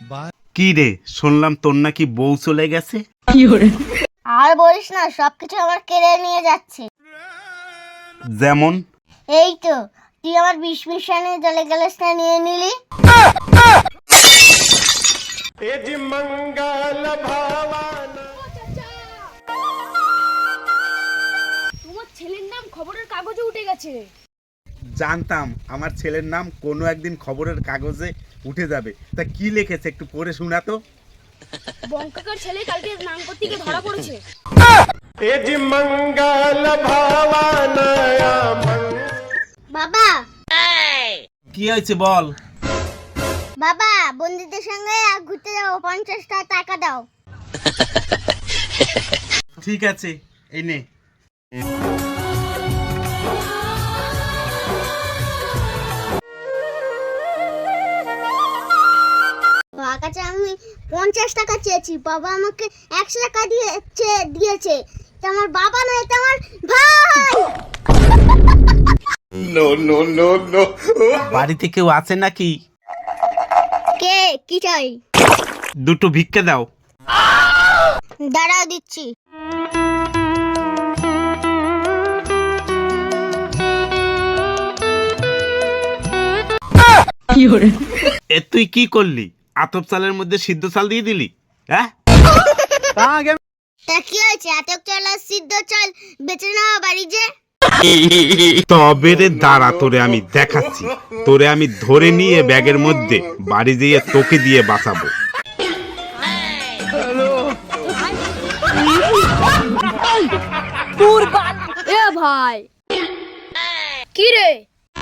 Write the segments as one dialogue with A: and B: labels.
A: কি রে, শুনলাম তোর নাকি বউ চলে গেছে।
B: আর বলিস না, সবকিছু আমার কেড়ে নিয়ে যাচ্ছে।
A: যেমন?
B: এই তো, তুই আমার বিষ মিশানে জলে গ্যালাসটা নিয়ে নিলি।
C: তোমার ছেলের নাম খবরের কাগজে উঠে গেছে।
A: জানতাম আমার ছেলের নাম কোনো একদিন খবরের কাগজে উঠে যাবে। তা কি লিখেছে একটু পড়ে শোনা তো।
C: বঙ্কাকার ছেলে কালকে নাম করতে গিয়ে ধরা পড়েছে।
B: বাবা,
A: কি হয়েছে বল।
B: বাবা, বন্ধুদের সঙ্গে ঘুরতে যাবো, 50টা টাকা দাও।
A: ঠিক আছে, এই নে।
B: বাবার কাছে আমি 50 টাকা চেয়েছি, বাবা আমাকে 100 টাকা দিয়েছে। এটা আমার বাবা নয়, এটা আমার ভাই।
A: বাড়িতে কেউ আছে নাকি?
B: কে, কি চাই?
A: দুটো ভিক্ষা দাও।
B: দাঁড়াও, দিচ্ছি।
A: এ তুই কি করলি? আতপ চালের মধ্যে সিদ্ধ চাল দিয়ে দিলি? হ্যাঁ,
B: তা কি হয়েছে? আতপ চাল আর সিদ্ধ চাল বেচে নেওয়া বাড়ি যে।
A: তবে রে দাঁড়া, তোরে আমি দেখাচ্ছি। তোরে আমি ধরে নিয়ে ব্যাগের মধ্যে বাড়ি যেয়ে তোকে দিয়ে বাঁচাবো।
C: এ ভাই, কি রে?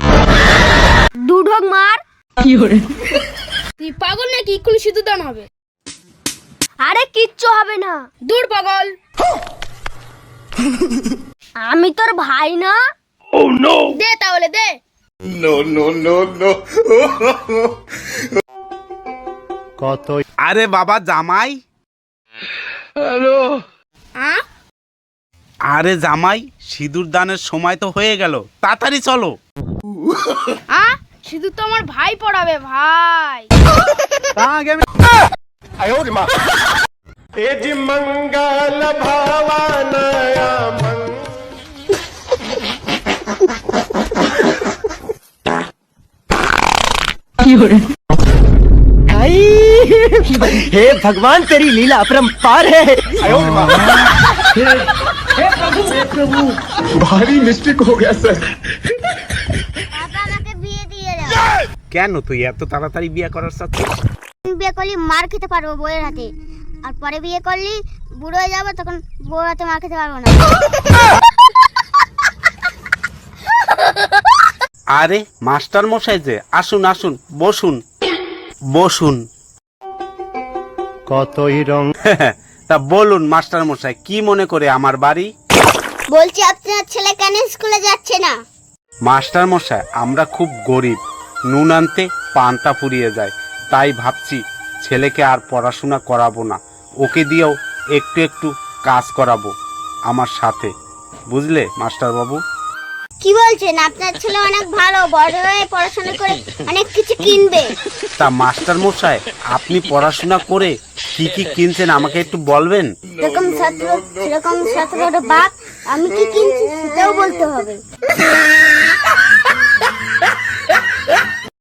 B: দুঢক মার।
C: তুই পাগল নাকি? কোন সিদ্ধ দান হবে?
B: আরে কিচ্ছু হবে না।
C: দূর পাগল।
B: আমি তোর ভাই না?
C: দে তাহলে দে।
A: আরে বাবা জামাই।
C: আ?
A: আরে জামাই, সিঁদুর দানের সময় তো হয়ে গেল, তাড়াতাড়ি চলো।
C: শুধু তো আমার ভাই পড়াবে ভাই।
D: हे भगवान तेरी लीला अपरंपार है। भारी मिस्टेक हो गया सर।
B: বাবা, আমাকে বিয়ে দিয়ে দাও।
A: কেন তুই এত তাড়াতাড়ি বিয়ে করার চাচ্ছিস?
B: বিয়ে করলে মার খেতে পারবো বউয়ের হাতে, আর পরে বিয়ে করলে বুড়ো হয়ে যাবো, তখন বউর হাতে মার খেতে পারবো না।
A: আরে মাস্টার মশাই যে, আসুন আসুন, বসুন বসুন।
D: কতই রং।
A: তা বলুন মাস্টার মশাই, কি মনে করে আমার বাড়ি?
B: বলছি, আপনার ছেলে কেন স্কুলে যাচ্ছে না?
A: মাস্টার মশাই, আমরা খুব গরিব, নুন আনতে পান্তা ফুরিয়ে যায়, তাই ভাবছি ছেলেকে আর পড়াশোনা করাবো না, ওকে দিয়েও একটু একটু কাজ করাবো আমার সাথে, বুঝলে মাস্টার বাবু?
B: কি বলছেন? আপনার ছেলে অনেক ভালো, বড় হয়ে পড়াশোনা করে অনেক কিছু কিনবে।
A: তা মাস্টার মশাই, আপনি পড়াশোনা করে কি কি কিনছেন আমাকে একটু বলবেন?
B: যেরকম ছাত্র সেরকম ছাত্রের বাপ, আমি কি কিনছি সেটাও বলতে হবে।